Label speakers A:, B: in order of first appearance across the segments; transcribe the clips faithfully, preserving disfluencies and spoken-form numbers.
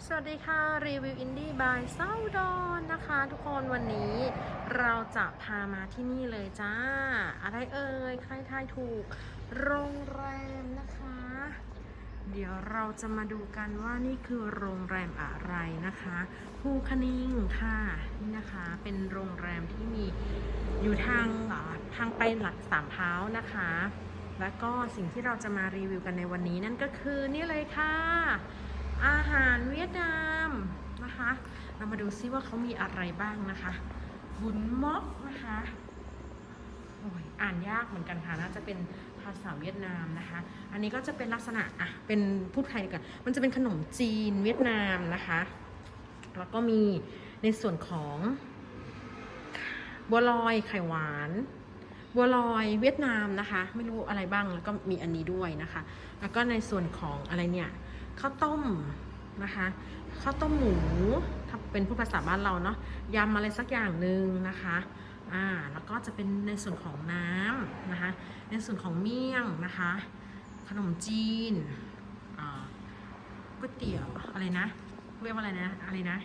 A: สวัสดีค่ะรีวิวอินดี้บายเซาดอนนะคะทุกคนวันนี้เราจะพามาที่นี่เลยจ้าอะไรเอ่ยใครทายถูกโรงแรมนะคะเดี๋ยวเราจะมาดูกันว่านี่คือโรงแรมอะไรนะคะภูคณิงค่ะนี่นะคะเป็นโรงแรมที่มีอยู่ทางทางไปหลักสามเท้านะคะแล้วก็สิ่งที่เราจะมารีวิวกันในวันนี้นั่นก็คือนี่เลยค่ะอาหารเวียดนามนะคะเรามาดูซิว่าเขามีอะไรบ้างนะคะบุนม็อกนะคะโอ้ยอ่านยากเหมือนกันค่ะน่าจะเป็นภาษาเวียดนามนะคะอันนี้ก็จะเป็นลักษณะอ่ะเป็นพูดไทยกันมันจะเป็นขนมจีนเวียดนามนะคะแล้วก็มีในส่วนของบัวลอยไข่หวานบัวลอยเวียดนามนะคะไม่รู้อะไรบ้างแล้วก็มีอันนี้ด้วยนะคะแล้วก็ในส่วนของอะไรเนี่ยข้าวต้มนะคะข้าวต้มหมูถ้าเป็นผู้ภาษาบ้านเราเนาะยำอะไรสักอย่างหนึ่งนะคะอ่าแล้วก็จะเป็นในส่วนของน้ำนะคะในส่วนของเมี่ยงนะคะขนมจีนอ่าก๋วยเตี๋ยวอะไรนะเรียกว่าอะไรนะอะไรนะ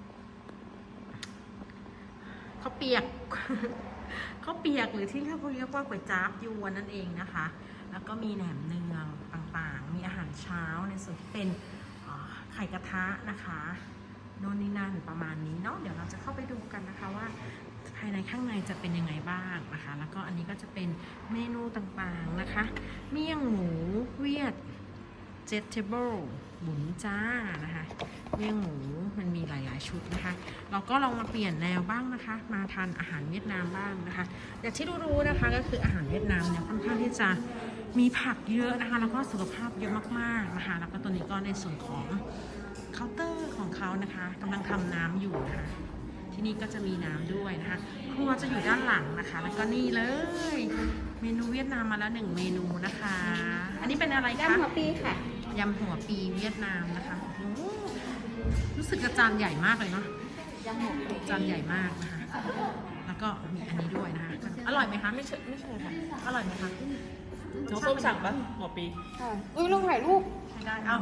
A: ข้าวเปียก ข้าวเปียกหรือที่เรียกเรียกว่าก๋วยจั๊บยวนนั่นเองนะคะแล้วก็มีแหนมเนืองต่างๆมีอาหารเช้าในส่วนที่เป็นไข่กระทะนะคะโน่นนี่นั่นประมาณนี้เนาะเดี๋ยวเราจะเข้าไปดูกันนะคะว่าภายในข้างในจะเป็นยังไงบ้างนะคะแล้วก็อันนี้ก็จะเป็นเมนูต่างๆนะคะเมี่ยงหมูเวียดเจ็ดเทเบิลบุ๋นจ้านะคะเมี่ยงหมูมันมีหลายๆชุดนะคะเราก็ลองมาเปลี่ยนแนวบ้างนะคะมาทานอาหารเวียดนามบ้างนะคะอย่างที่รู้ๆนะคะก็คืออาหารเวียดนามเนี่ยค่อนข้างที่จะมีผักเยอะนะคะแล้วก็สุขภาพเยอะมากๆนะคะแล้วก็ตัวนี้ก็ในส่วนของเคาน์เตอร์ของเขานะคะกำลังทำน้ำอยู่นะคะที่นี่ก็จะมีน้ำด้วยนะคะครัวจะอยู่ด้านหลังนะคะแล้วก็นี่เลยเมนูเวียดนามมาแล้วหนึ่งเมนูนะคะอันนี้เป็นอะไรคะ
B: ยำหัวปีค่ะ
A: ยำหัวปีเวียดนามนะคะรู้สึกจานใหญ่มากเลยเนาะ
B: ยำหัวปี
A: จานใหญ่มากนะคะแล้วก็มีอันนี้ด้วยนะคะอร่อยไหมคะไม่ใช่ไม่ใช่ค่ะอร่อยไหมคะ
C: น้องส้มสั่งปะหัวปี
B: ค่ะอุ้ยลงถ่ายรูป
A: ใช้ได้เอา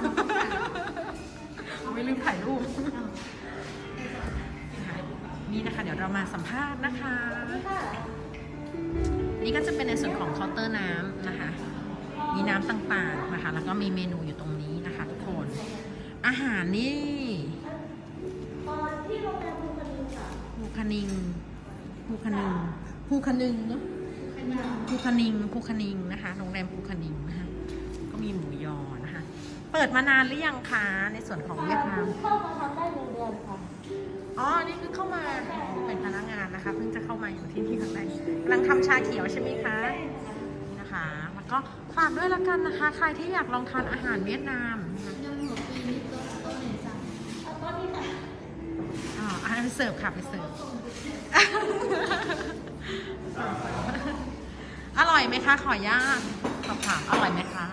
A: ไม่ลืมถ่ายรูปนี่นะคะเดี๋ยวเรามาสัมภาษณ์นะคะนี่ก็จะเป็นในส่วนของเคาน์เตอร์น้ำนะคะมีน้ำต่างๆนะคะแล้วก็มีเมนูอยู่ตรงนี้นะคะทุกคนอาหารนี่ภูคณิงภูคณิงภูคณิงเนาะภูคณิงภูคณิงนะคะโรงแรมภูคณิงนะคะก็มีหมูยอนะคะเปิดมานานหรือยังคะในส่วนของเวียดนาม
B: เข้ามาทำได้หนึ่งเดือนค่ะ
A: อ๋อนี่คือเข้ามาเป็นพนักงานนะคะเพิ่งจะเข้ามาอยู่ที่นี่ข้างในกำลังทำชาเขียวใช่ไหมคะนะคะแล้วก็ฝากด้วยละกันนะคะใครที่อยากลองทานอาหารเวียดนามอ๋ออาหารเสิร์ฟค่ะไปเสิร์ฟอร่อยไหมคะขอย่าสอบถามอร่อยไหมคะ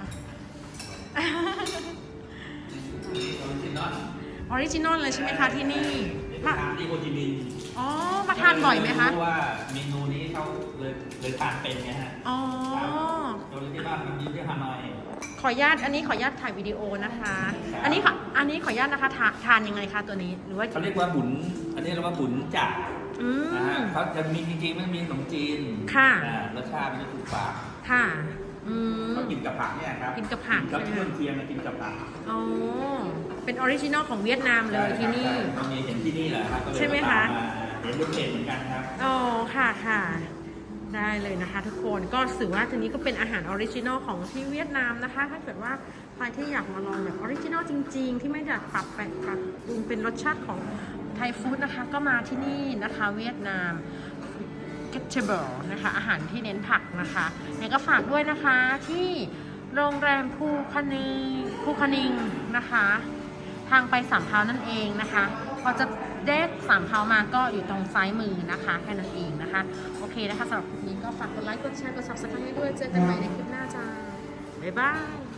A: ออริจินอลเลยใช่ไหมคะที่นี่
C: มาทานที่โฮจิมินห์
A: อ๋อมาทานบ่อยไหมคะ
C: เพราะว่าเมนูนี้เขาเลยเลยทานเป็นไงฮะ
A: อ๋อ
C: โดยที่บ้านมันมีที่ฮานอย
A: ขออนุญาตอันนี้ขออนุญาตถ่ายวิดีโอนะคะอันนี้ค่ะอันนี้ขออนุญาตนะคะทาทานยังไงคะตัวนี้หรือว่า
C: เขาเรียกว่าบุญอันนี้เรียกว่าบุญจ่านะฮะเขาจะมีจริงๆมันมีขนมจีน
A: ค่ะ
C: รสชาติมันจะถูกปาก
A: ค่ะอืม
C: เขากินกับผักเนี่ยครับ
A: กินกับผัก
C: แล้วเครื่องเคียงมากินกับผัก
A: อ๋อเป็นออริจินอลของเวียดนามเลยที่นี่
C: มันมีเห็นที่นี่แหละครับ
A: ใช่ไหมคะ
C: เห็นรูปเพจเหมือนกันครับ
A: อ๋อค่ะค่ะได้เลยนะคะทุกคนก็ถือว่าทีนี้ก็เป็นอาหารออริจินอลของที่เวียดนามนะคะถ้าเกิดว่าใครที่อยากมาลองแบบออริจินอลจริงๆที่ไม่อยากปรับแปลงปรับปรุงเป็นรสชาติของไทยฟู้ดนะคะก็มาที่นี่นะคะเวียดนามเกตเชเบิลนะคะอาหารที่เน้นผักนะคะเนี่ยก็ฝากด้วยนะคะที่โรงแรมภูคณิงภูคณิงนะคะทางไปสามเท้านั่นเองนะคะพอจะเดทสามเท้ามาก็อยู่ตรงซ้ายมือนะคะแค่นั้นเองนะคะโอเคนะคะสำหรับคลิปนี้ก็ฝากกดไลค์กดแชร์กด ซับสไครบ์ ให้ด้วยเจอกันใหม่ในคลิปหน้าจ้าบ๊ายบาย